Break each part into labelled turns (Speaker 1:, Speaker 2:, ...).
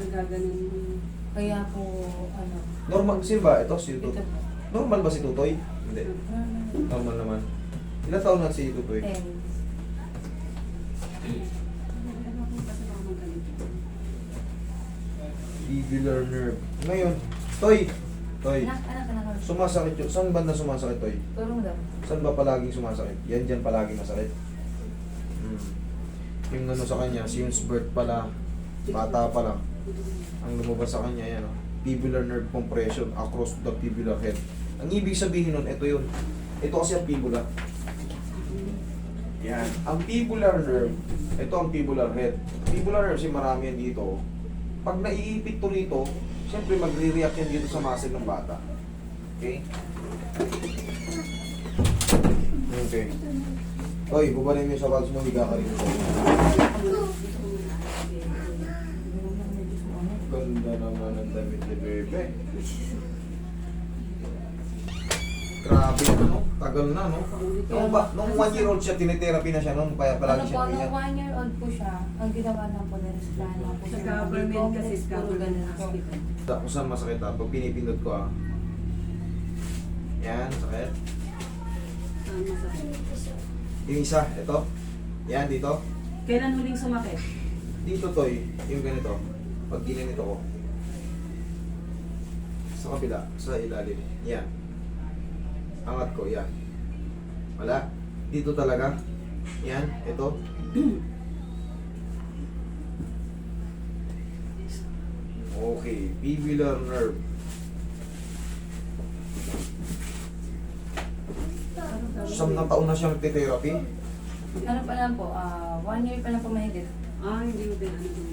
Speaker 1: nagaganon mo.
Speaker 2: Kaya po, ano,
Speaker 3: Normal, sino ba? Ito, si
Speaker 2: ito
Speaker 3: Tutoy.
Speaker 2: po.
Speaker 3: Normal ba si Tutoy? Hindi. Normal naman. Ilang taon na si Tutoy?
Speaker 2: 10.
Speaker 1: Ano ko kasi baka magalit.
Speaker 3: Tubular nerve. Ngayon, Toy! Toy,
Speaker 2: Anak.
Speaker 3: sumasakit yun. Saan banda sumasakit, Toy?
Speaker 2: Tulong daw.
Speaker 3: Saan ba palaging sumasakit? Yan dyan palaging masakit. Yung ano sa kanya, since birth pala, bata pa lang, ang lumabas sa kanya, yan, tubular nerve compression across the tubular head. Ang ibig sabihin nun, ito yun. Ito kasi ang fibula. Yan. Ang tubular nerve, ito ang tubular head. Tubular nerve, kasi marami yan dito. Pag naiipit to rito, siyempre magre-react yan dito sa muscle ng bata. Okay? Okay. Oy, bubalin mo yung sapatos mo, higa ka rin. Ganda naman ang damit ni Bebe. Grabe, no? Tagal na, no? Nung 1 year old siya, tinitherapy na siya noon, kaya palagi
Speaker 2: Ano po,
Speaker 3: siya
Speaker 2: nung
Speaker 3: ganyan.
Speaker 2: 1 year old po siya, ang ginawa lang po na resplano po
Speaker 1: Sa
Speaker 2: siya.
Speaker 1: government kasi,
Speaker 2: Puro
Speaker 1: government
Speaker 2: ganun po.
Speaker 1: hospital.
Speaker 3: Kung saan masakit pag pinipindot ko Yan, sakit.
Speaker 1: Saan masakit?
Speaker 3: Yung isa, ito. Yan, dito.
Speaker 1: Kailan huling sumakit?
Speaker 3: Dito, Toy. Yung ganito. Pag ginanito ko. Sa kabila, sa ilalim. Yan. Angat ko, yan. Wala. Dito talaga. Yan, ito. Okay, tubular nerve. Siyam na taon na siyang therapy.
Speaker 2: Ano pa lang po, 1 year pa lang po mahigit.
Speaker 1: Hindi mo din ano din.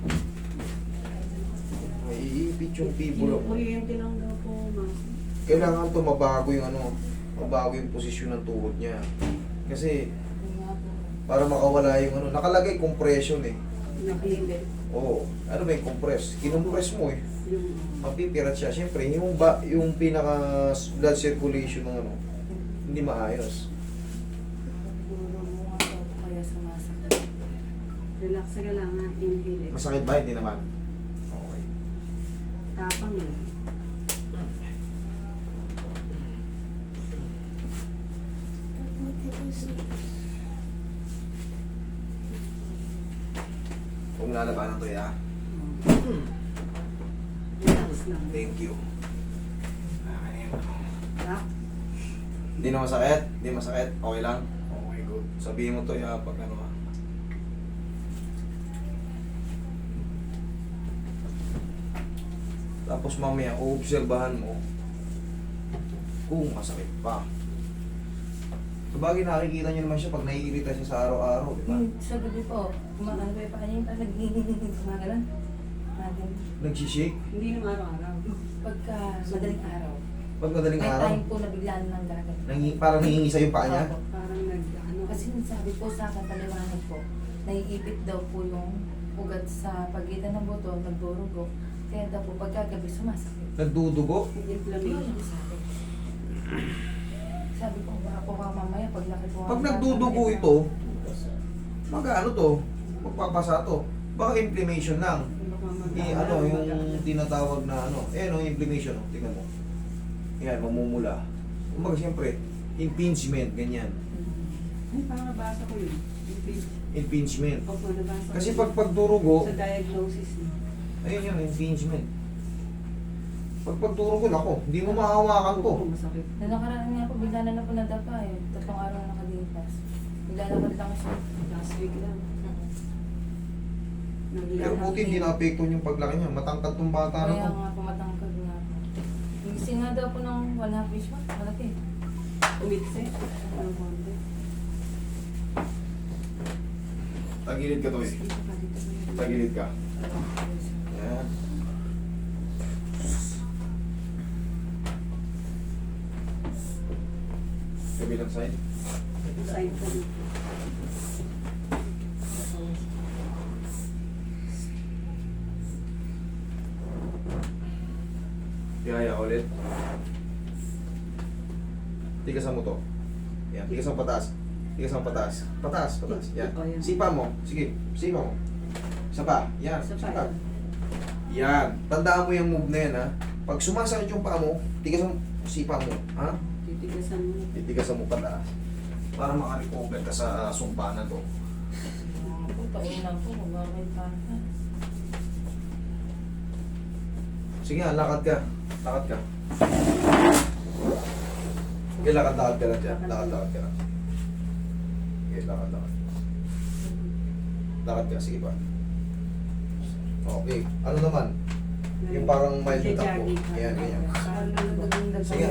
Speaker 3: Maiipit yung tibula ko.
Speaker 1: Kuryente lang daw po, ma'am.
Speaker 3: Kailangan to mabago yung mabago yung posisyon ng tuhod niya. Kasi
Speaker 2: Yun nga po.
Speaker 3: para makawala yung nakalagay compression eh.
Speaker 1: Nakilit.
Speaker 3: Oo. Ano ba yung compress? Kinompress mo eh.
Speaker 1: Yung
Speaker 3: Mapipirat siya. Siyempre, yung pinaka blood circulation ng hindi maayos.
Speaker 2: Siguro mo nga daw po kaya sumasakit.
Speaker 1: relax ka lang ha. Inhale.
Speaker 3: Masakit ba? Hindi naman. Okay.
Speaker 1: Tapang lang.
Speaker 3: Kung lalabanan to ya.
Speaker 1: Relax lang.
Speaker 3: Thank you.
Speaker 1: Relax.
Speaker 3: Hindi na masakit? Hindi masakit? Okay lang? Okay, good. Sabihin mo to ya pag Tapos mamaya, uobserbahan mo kung masakit pa. Sabagay nakikita nyo naman siya pag naiirita siya sa araw-araw, di ba?
Speaker 2: Sa gabi po, kumakan ko yung paa niya, parang gumagalan.
Speaker 3: Nagsishake.
Speaker 1: Hindi naman araw-araw.
Speaker 2: Pagka madaling araw.
Speaker 3: Pag madaling
Speaker 2: May
Speaker 3: araw,
Speaker 2: time po na biglaan ng gagal.
Speaker 3: parang hihingisa yung paa niya.
Speaker 2: Opo.
Speaker 1: Parang nag-ano.
Speaker 2: Kasi sabi po sa akin, paliwanag po, naiipit daw po yung ugat sa pagitan ng buto, nagdurugo. Kaya daw po pagkagabi sumasakit.
Speaker 3: Nagdudugo.
Speaker 2: Yun
Speaker 1: Inflammation.
Speaker 2: ang sabi. Sabi ko, baka po ka mamaya paglaki po.
Speaker 3: Pag nagdudugo ito, mag-ano to, magpapasa to. Baka inflammation lang. Yung tinatawag na inflammation, tingnan mo. Yan, mamumula. Kumbaga siyempre, impingement, ganyan.
Speaker 1: Ay, parang nabasa ko yun.
Speaker 3: Impingement.
Speaker 1: Opo, nabasa ko.
Speaker 3: Kasi pag pagdurugo,
Speaker 1: Sa diagnosis niya.
Speaker 3: ayun yun, impingement. Pag pagdurugo, ako, hindi mo mahawakan to.
Speaker 1: Oo, masakit.
Speaker 2: Noong nakaraan nga po, bigla na po nadapa eh. 3 araw na nakalipas. Bigla na lang siya.
Speaker 1: Last week lang.
Speaker 3: Pero buti hindi na-apektuhan yung paglaki niya. Matangkad tong bata na
Speaker 2: Kaya
Speaker 3: to.
Speaker 2: nga, pumatangkad nga po. Gising nga daw po ng 1/2 fish pa. Malaki.
Speaker 1: Umitse. Ano konti.
Speaker 3: Tagilid ka to eh. Tagilid ka. Yan. Kabilang side.
Speaker 1: Side ko.
Speaker 3: Tihaya ulit. Tigasan mo to. Yan, tigasan mo pataas. Tigasan mo pataas. Pataas, pataas. Yan.
Speaker 1: Oh, yan.
Speaker 3: Sipa mo. Sige, sipa mo. Isa pa. Yan,
Speaker 1: Isa
Speaker 3: isa
Speaker 1: pa.
Speaker 3: pa. Yan. Tandaan mo yung move na yan, ha? Pag sumasakit yung paa mo, tigas mo, sipa mo, ha?
Speaker 1: Titigasan mo.
Speaker 3: Titigasan mo pataas. Para makarecover ka sa sumpa na to.
Speaker 2: Taon na po, magkakay pa.
Speaker 3: Sige nga, lakad ka. Lakad ka. Okay, lakad ka lang dyan. Lakad ka lang. Okay, lakad. Lakad ka, sige pa. Okay. Ano naman? Yung parang mild na takbo. Yan, ganyan. Sige.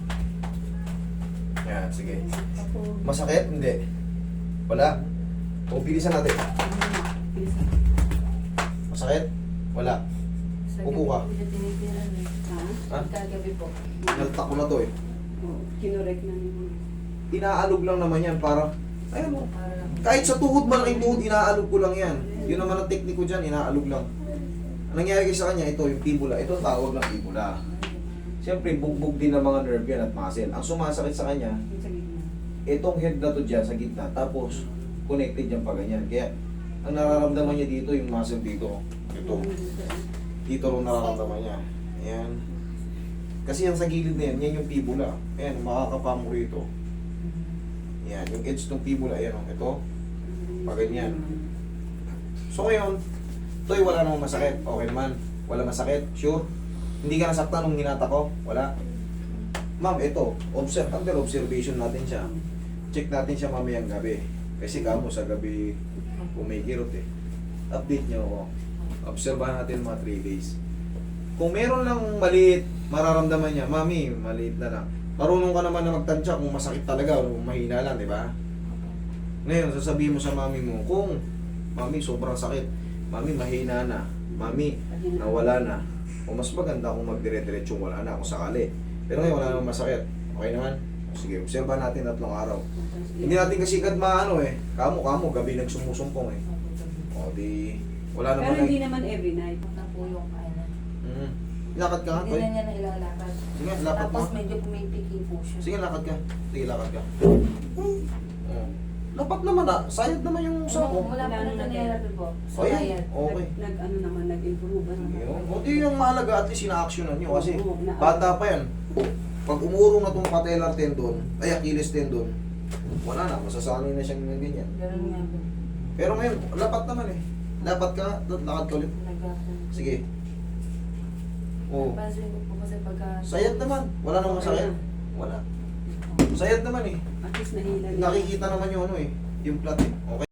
Speaker 3: Yan, sige. Masakit? Hindi. Wala? O, bilisan natin. Masakit? Wala. Upo ka.
Speaker 1: Ha?
Speaker 3: Ha?
Speaker 2: Kagabi po.
Speaker 3: Naltak ko na to eh.
Speaker 1: Oo, kinorek na niyo.
Speaker 3: Inaalog lang naman yan para, ayun mo.
Speaker 2: Para
Speaker 3: Kahit sa tuhod, malaking tuhod, inaalog ko lang yan. Yun naman ang teknik ko dyan, inaalog lang. Ang nangyari kasi sa kanya, ito yung fibula. Ito ang tawag ng fibula. Siyempre, bugbog din ng mga nerve yan at muscle. Ang sumasakit sa kanya,
Speaker 1: Yung sa gitna.
Speaker 3: itong head na to dyan sa gitna. Tapos, connected yan pa ganyan. Kaya, ang nararamdaman niya dito, yung muscle dito. Ito. Dito rin nararamdaman niya. Ayan. Kasi yan sa gilid na yan, yan yung fibula. Ayan, makakapa mo rito. Ayan, yung edge ng fibula, ayan o. Ito. Pa ganyan. So ngayon, ito ay wala namang masakit. Okay naman. Wala masakit. Sure. Hindi ka nasaktan nung hinata ko. Wala. Ma'am, ito. Under observation natin siya. Check natin siya mamayang gabi. Kasi kamo sa gabi kumikirot eh. Update niyo ako. Obserbahan natin mga 3 days. Kung meron lang maliit, mararamdaman niya, mami, maliit na lang. Marunong ka naman na magtansya kung masakit talaga o mahina lang, di ba? Ngayon, sasabihin mo sa mami mo, kung mami, sobrang sakit, mami, mahina na, mami, nawala na, o mas maganda kung magdire-diretsong wala na kung sakali. Pero ngayon, wala namang masakit. Okay naman? Sige, obserbahan natin 3 araw. Hindi natin kasi agad maano eh. Kamo, gabi nagsumusumpong eh. O di, wala
Speaker 1: Pero
Speaker 3: naman
Speaker 1: hindi naman every night.
Speaker 2: na po yung ano.
Speaker 3: Lakad ka nga,
Speaker 2: Hindi
Speaker 3: Toy.
Speaker 2: na niya na ilalakad.
Speaker 3: Sige, lakad
Speaker 2: Tapos
Speaker 3: mo.
Speaker 2: medyo pumipiki po siya.
Speaker 3: Sige, lakad ka. Sige, lakad ka. Oh. Lapat naman ah. Sayad naman yung
Speaker 2: Ano,
Speaker 3: sako.
Speaker 2: mula po na nangyayari po. So,
Speaker 3: O yan.
Speaker 2: ayan.
Speaker 3: Okay.
Speaker 1: Ano naman, nag-improve.
Speaker 3: O di yung mahalaga at least ina-actionan nyo kasi
Speaker 1: Oo,
Speaker 3: bata pa yan. Pag umurong na itong patellar tendon, ay Achilles tendon, wala na, masasanay na siyang ganyan.
Speaker 2: Ganun nga po.
Speaker 3: Pero ngayon, lapat naman eh. Lapat ka, lakad ka ulit. Sige. Oh.
Speaker 2: Pansin ko po kasi pagka...
Speaker 3: Sayad naman. Wala namang masakit. Wala. Sayad naman eh.
Speaker 1: At least nahila.
Speaker 3: Nakikita naman yung ano eh. Yung plot eh. Okay.